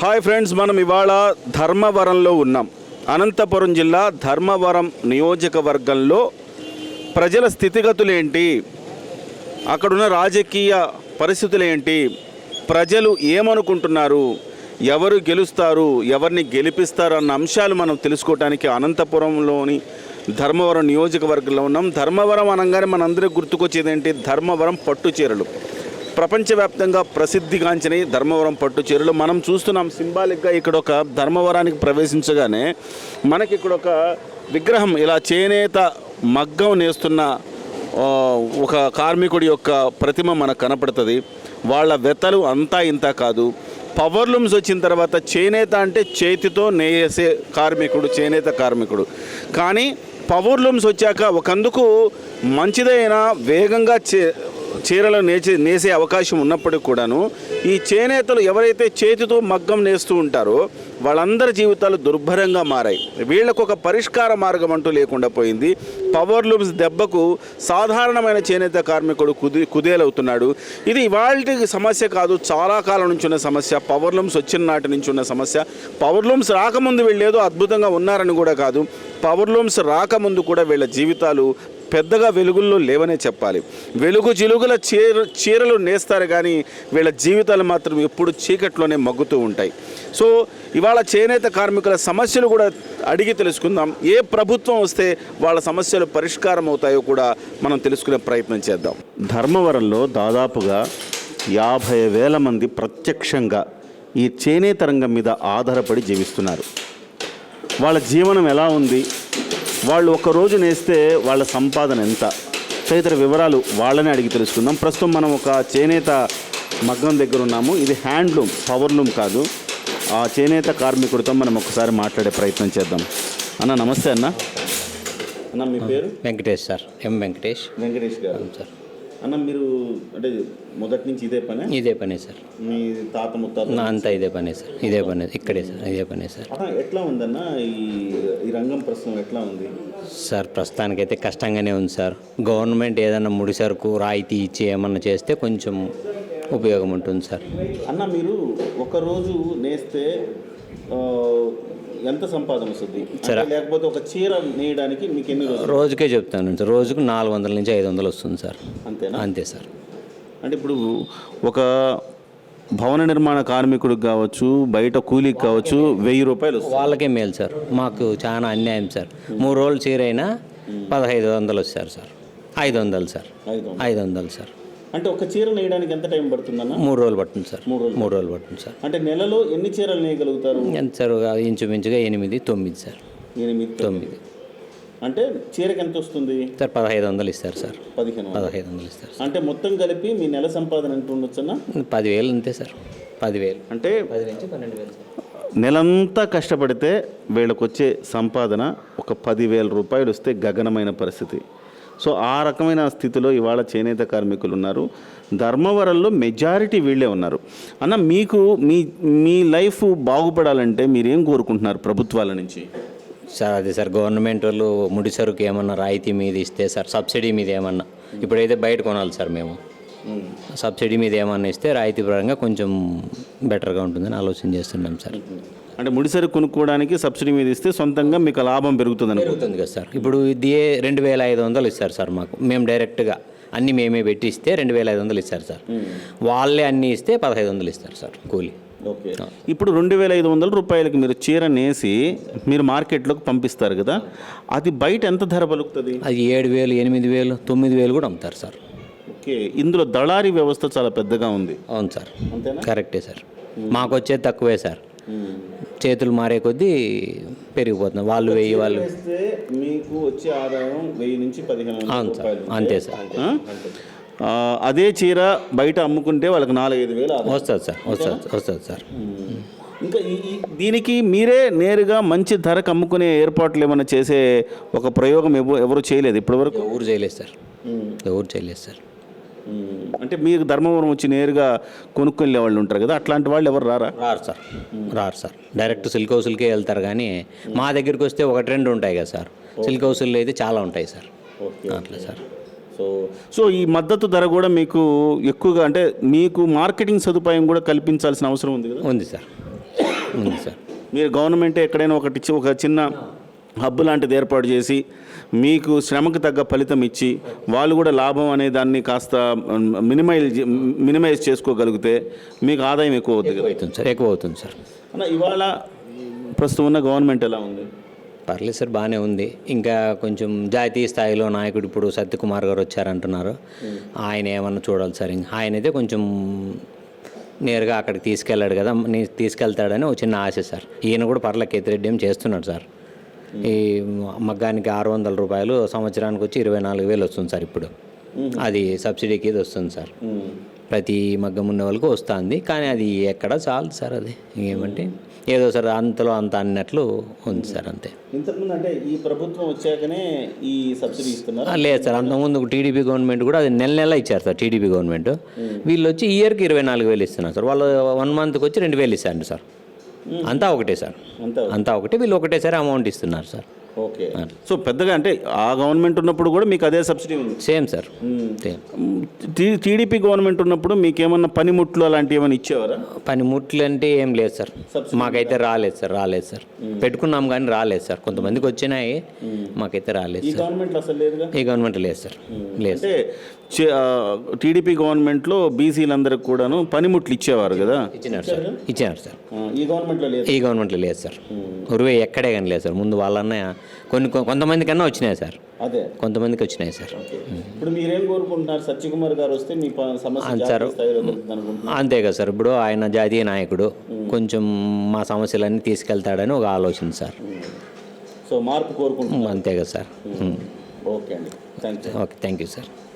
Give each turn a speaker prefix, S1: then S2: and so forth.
S1: Hi friends, మనం ఇవాళ ధర్మవరంలో ఉన్నాం. అనంతపురం జిల్లా ధర్మవరం నియోజకవర్గంలో ప్రజల స్థితిగతులు ఏంటి, అక్కడున్న రాజకీయ పరిస్థితులు ఏంటి, ప్రజలు ఏమనుకుంటున్నారు, ఎవరు గెలుస్తారు, ఎవరిని గెలిపిస్తారు అన్న అంశాలు మనం తెలుసుకోవడానికి అనంతపురంలోని ధర్మవరం నియోజకవర్గంలో ఉన్నాం. ధర్మవరం అనగానే మనందరికీ గుర్తుకొచ్చేది ఏంటి? ధర్మవరం పట్టు చీరలు. ప్రపంచవ్యాప్తంగా ప్రసిద్ధిగాంచిన ధర్మవరం పట్టు చీరలు మనం చూస్తున్నాం. సింబాలిక్గా ఇక్కడ ఒక ధర్మవరానికి ప్రవేశించగానే మనకి ఇక్కడ ఒక విగ్రహం, ఇలా చేనేత మగ్గం నేస్తున్న ఒక కార్మికుడి యొక్క ప్రతిమ మనకు కనపడుతుంది. వాళ్ళ వెతలు అంతా ఇంత కాదు. పవర్ లూమ్స్ వచ్చిన తర్వాత చేనేత అంటే చేతితో నేసే కార్మికుడు, చేనేత కార్మికుడు. కానీ పవర్ లూమ్స్ వచ్చాక ఒకందుకు మంచిదైన వేగంగా చీరలు నేసే అవకాశం ఉన్నప్పటికీ కూడాను ఈ చేనేతలు ఎవరైతే చేతితో మగ్గం నేస్తూ ఉంటారో వాళ్ళందరి జీవితాలు దుర్భరంగా మారాయి. వీళ్ళకు ఒక పరిష్కార మార్గం అంటూ లేకుండా పోయింది. పవర్ లూమ్స్ దెబ్బకు సాధారణమైన చేనేత కార్మికుడు కుదేలవుతున్నాడు. ఇది ఇవాళ సమస్య కాదు, చాలా కాలం నుంచి ఉన్న సమస్య. పవర్ లూమ్స్ వచ్చిన నాటి నుంచి ఉన్న సమస్య. పవర్ లూమ్స్ రాకముందు వీళ్ళేదో అద్భుతంగా ఉన్నారని కూడా కాదు, పవర్ లూమ్స్ రాకముందు కూడా వీళ్ళ జీవితాలు పెద్దగా వెలుగుల్లో లేవనే చెప్పాలి. వెలుగు జిలుగుల చీరలు నేస్తారు కానీ వీళ్ళ జీవితాలు మాత్రం ఎప్పుడు చీకట్లోనే మగ్గుతూ ఉంటాయి. సో ఇవాళ చేనేత కార్మికుల సమస్యలు కూడా అడిగి తెలుసుకుందాం. ఏ ప్రభుత్వం వస్తే వాళ్ళ సమస్యలు పరిష్కారం అవుతాయో కూడా మనం తెలుసుకునే ప్రయత్నం చేద్దాం. ధర్మవరంలో దాదాపుగా 50,000 మంది ప్రత్యక్షంగా ఈ చేనేత రంగం మీద ఆధారపడి జీవిస్తున్నారు. వాళ్ళ జీవనం ఎలా ఉంది, వాళ్ళు ఒక్కరోజు నేస్తే వాళ్ళ సంపాదన ఎంత, తదితర వివరాలు వాళ్ళని అడిగి తెలుసుకుందాం. ప్రస్తుతం మనం ఒక చేనేత మగ్గం దగ్గర ఉన్నాము. ఇది హ్యాండ్లూమ్, పవర్ లూమ్ కాదు. ఆ చేనేత కార్మికుడితో మనం ఒకసారి మాట్లాడే ప్రయత్నం చేద్దాం. అన్న నమస్తే. అన్న మీ పేరు?
S2: వెంకటేష్ సార్. వెంకటేష్
S1: గారు సార్. అన్న మీరు అంటే మొదటి నుంచి ఇదే పనే
S2: సార్.
S1: మీ తాత ముత్తాత
S2: అంతా ఇదే పనే సార్. ఇదే పనే ఇక్కడే సార్. ఇదే పనే సార్.
S1: ఎట్లా ఉందన్న ఈ రంగం ప్రస్తుతం ఎట్లా ఉంది
S2: సార్? ప్రస్తుతానికైతే కష్టంగానే ఉంది సార్. గవర్నమెంట్ ఏదైనా ముడి సరుకు రాయితీ ఇచ్చి ఏమన్నా చేస్తే కొంచెం ఉపయోగం ఉంటుంది సార్.
S1: అన్న మీరు ఒకరోజు నేస్తే ఎంత సంపాదన వస్తుంది సరే? లేకపోతే ఒక చీర నేయడానికి మీకు ఎన్ని రోజులు?
S2: రోజుకే చెప్తాను సార్. రోజుకు 400 నుంచి 500 వస్తుంది సార్.
S1: అంతేనా?
S2: అంతే సార్.
S1: అంటే ఇప్పుడు ఒక భవన నిర్మాణ కార్మికుడికి కావచ్చు, బయట కూలీకి కావచ్చు, 1000 రూపాయలు
S2: వాళ్ళకే మేలు సార్. మాకు చాలా అన్యాయం సార్. 3 రోజులు చీర అయినా 1500 వచ్చారు సార్. 500 సార్. 500 సార్.
S1: అంటే ఒక చీర నేయడానికి ఎంత టైం పడుతుందన్న?
S2: 3 రోజులు పడుతుంది సార్. 3 రోజులు పడుతుంది సార్.
S1: అంటే నెలలో ఎన్ని చీరలు నేయగలుగుతారు?
S2: ఎంత సార్? ఇంచుమించుగా 8-9 సార్. 8-9
S1: అంటే చీరకి ఎంత వస్తుంది
S2: సార్? 1500 ఇస్తారు సార్.
S1: 1500
S2: ఇస్తారు.
S1: అంటే మొత్తం కలిపి మీ నెల సంపాదన ఎంత ఉండొచ్చన్నా?
S2: 10,000 అంతే సార్. 10,000
S1: అంటే
S2: 10 నుంచి 12,000 సార్.
S1: నెలంతా కష్టపడితే వీళ్ళకి వచ్చే సంపాదన ఒక 10,000 రూపాయలు వస్తే గగనమైన పరిస్థితి. సో ఆ రకమైన స్థితిలో ఇవాళ చేనేత కార్మికులు ఉన్నారు. ధర్మవరంలో మెజారిటీ వీళ్ళే ఉన్నారు. అన్న మీకు మీ లైఫ్ బాగుపడాలంటే మీరేం కోరుకుంటున్నారు ప్రభుత్వాల నుంచి?
S2: సార్ అదే సార్, గవర్నమెంట్ వాళ్ళు ముడి సరుకు ఏమన్నా రాయితీ మీద ఇస్తే సార్, సబ్సిడీ మీద ఏమన్నా, ఇప్పుడైతే బయట కొనాలి సార్ మేము, సబ్సిడీ మీద ఏమన్నా ఇస్తే రాయితీ పరంగా కొంచెం బెటర్గా ఉంటుందని ఆలోచన చేస్తున్నాం సార్.
S1: అంటే ముడిసరి కొనుక్కోవడానికి సబ్సిడీ మీద ఇస్తే సొంతంగా మీకు లాభం పెరుగుతుంది
S2: కదా సార్. ఇప్పుడు ఇది 2,500 ఇస్తారు సార్ మాకు. మేము డైరెక్ట్గా అన్నీ మేమే పెట్టి ఇస్తే 2,500 ఇస్తారు సార్. వాళ్ళే అన్నీ ఇస్తే 1,500 ఇస్తారు సార్ కూలీ.
S1: ఓకే. ఇప్పుడు 2,500 రూపాయలకి మీరు చీర నేసి మీరు మార్కెట్లోకి పంపిస్తారు కదా, అది బయట ఎంత ధర పలుకుతుంది?
S2: అది 7,000, 8,000, 9,000 కూడా అమ్ముతారు సార్.
S1: ఓకే. ఇందులో దళారీ వ్యవస్థ చాలా పెద్దగా ఉంది.
S2: అవును సార్, కరెక్టే సార్. మాకు వచ్చేది తక్కువే సార్. చేతులు మారే కొద్దీ పెరిగిపోతుంది. వాళ్ళు 1000, వాళ్ళు
S1: మీకు వచ్చే ఆదాయం 1000 నుంచి 1500.
S2: అవును సార్, అంతే సార్.
S1: అదే చీర బయట అమ్ముకుంటే వాళ్ళకి 4-5 వేలు
S2: వస్తుంది సార్. వస్తుంది సార్.
S1: ఇంకా దీనికి మీరే నేరుగా మంచి ధరకు అమ్ముకునే ఏర్పాట్లు ఏమైనా చేసే ఒక ప్రయోగం ఎవరు చేయలేదు ఇప్పటివరకు?
S2: ఎవరు చేయలేదు సార్. ఎవరు చేయలేదు సార్.
S1: అంటే మీరు ధర్మవరం వచ్చి నేరుగా కొనుక్కునే వాళ్ళు ఉంటారు కదా, అట్లాంటి వాళ్ళు ఎవరు
S2: రారు సార్. డైరెక్ట్ సిల్క్ హౌస్లకే వెళ్తారు. కానీ మా దగ్గరికి వస్తే 1-2 ఉంటాయి కదా సార్. సిల్క్ హౌస్లో అయితే చాలా ఉంటాయి సార్. అట్లా సార్.
S1: సో ఈ మద్దతు ధర కూడా మీకు ఎక్కువగా, అంటే మీకు మార్కెటింగ్ సదుపాయం కూడా కల్పించాల్సిన అవసరం ఉంది కదా?
S2: ఉంది సార్. ఉంది సార్.
S1: మీరు గవర్నమెంటే ఎక్కడైనా ఒక చిన్న హబ్ లాంటిది ఏర్పాటు చేసి మీకు శ్రమకు తగ్గ ఫలితం ఇచ్చి వాళ్ళు కూడా లాభం అనే దాన్ని కాస్త మినిమైజ్ చేసుకోగలిగితే మీకు ఆదాయం ఎక్కువ అవుతుంది కదా.
S2: అవుతుంది సార్, ఎక్కువ అవుతుంది సార్.
S1: అన్న ఇవాళ ప్రస్తుతం ఉన్న గవర్నమెంట్ ఎలా ఉంది?
S2: పర్లేదు సార్, బాగానే ఉంది. ఇంకా కొంచెం జాతీయ స్థాయిలో నాయకుడు ఇప్పుడు సత్యకుమార్ గారు వచ్చారంటున్నారు. ఆయన ఏమన్నా చూడాలి సార్. ఆయన అయితే కొంచెం నేరుగా అక్కడికి తీసుకెళ్ళాడు కదా, తీసుకెళ్తాడని ఒక చిన్న ఆశ సార్. ఈయన కూడా పర్ల కేతిరెడ్డి ఏం చేస్తున్నాడు సార్. ఈ మగ్గానికి 600 రూపాయలు, సంవత్సరానికి వచ్చి 24,000 వస్తుంది సార్ ఇప్పుడు. అది సబ్సిడీకి ఇది వస్తుంది సార్. ప్రతి మగ్గం ఉన్న వాళ్ళకు వస్తుంది. కానీ అది ఎక్కడ చాలు సార్. అది ఏమంటే ఏదో సార్ అంతలో అంత అన్నట్లు ఉంది సార్, అంతే.
S1: ఇంతకుముందు అంటే ఈ ప్రభుత్వం వచ్చాకనే ఈ సబ్సిడీ ఇస్తున్నారు?
S2: లేదు సార్, అంతకుముందు టీడీపీ గవర్నమెంట్ కూడా అది నెల ఇచ్చారు సార్. టీడీపీ గవర్నమెంట్ వీళ్ళు వచ్చి ఇయర్కి 24,000 ఇస్తున్నారు సార్. వాళ్ళు 1 మంత్కి వచ్చి 2,000 ఇస్తారు సార్. అంతా ఒకటే సార్, అంతా ఒకటే. వీళ్ళు ఒకటేసారి అమౌంట్ ఇస్తున్నారు సార్.
S1: ఓకే. సో పెద్దగా అంటే ఆ గవర్నమెంట్ ఉన్నప్పుడు కూడా మీకు అదే సబ్సిడీ ఉంది?
S2: Same sir, same.
S1: TDP government ఉన్నప్పుడు మీకు ఏమన్నా పనిముట్లు అలాంటివి ఏమైనా ఇచ్చేవారా?
S2: పనిముట్లు అంటే ఏం లేదు సార్, మాకైతే రాలేదు సార్. పెట్టుకున్నాం కానీ రాలేదు సార్. కొంతమందికి వచ్చినాయి, మాకైతే రాలేదు సార్.
S1: గవర్నమెంట్ అసలు లేదుగా?
S2: ఈ గవర్నమెంట్ లేదు సార్, లేదు.
S1: అంటే టీడీపీ గవర్నమెంట్లో బీసీలందరికి కూడాను పనిముట్లు ఇచ్చేవారు కదా?
S2: ఇచ్చినారు సార్.
S1: ఈ గవర్నమెంట్లో లేదు?
S2: ఈ గవర్నమెంట్లో లేదు సార్. ఉరువే ఎక్కడే కానీ లేదు సార్. ముందు వాళ్ళన్న కొంతమంది కన్నా వచ్చినాయి సార్.
S1: అదే
S2: కొంతమందికి వచ్చినాయి సార్.
S1: ఇప్పుడు మీరేం కోరుకుంటున్నారు? సత్యకుమార్ గారు వస్తే మీ సమస్య
S2: సార్ అంతే కదా సార్. ఇప్పుడు ఆయన జాతీయ నాయకుడు, కొంచెం మా సమస్యలన్నీ తీసుకెళ్తాడని ఒక ఆలోచన సార్.
S1: సో మార్పు కోరుకుంటున్నాం,
S2: అంతే కదా సార్.
S1: ఓకే అండి, thank you.
S2: Okay, thank you sir.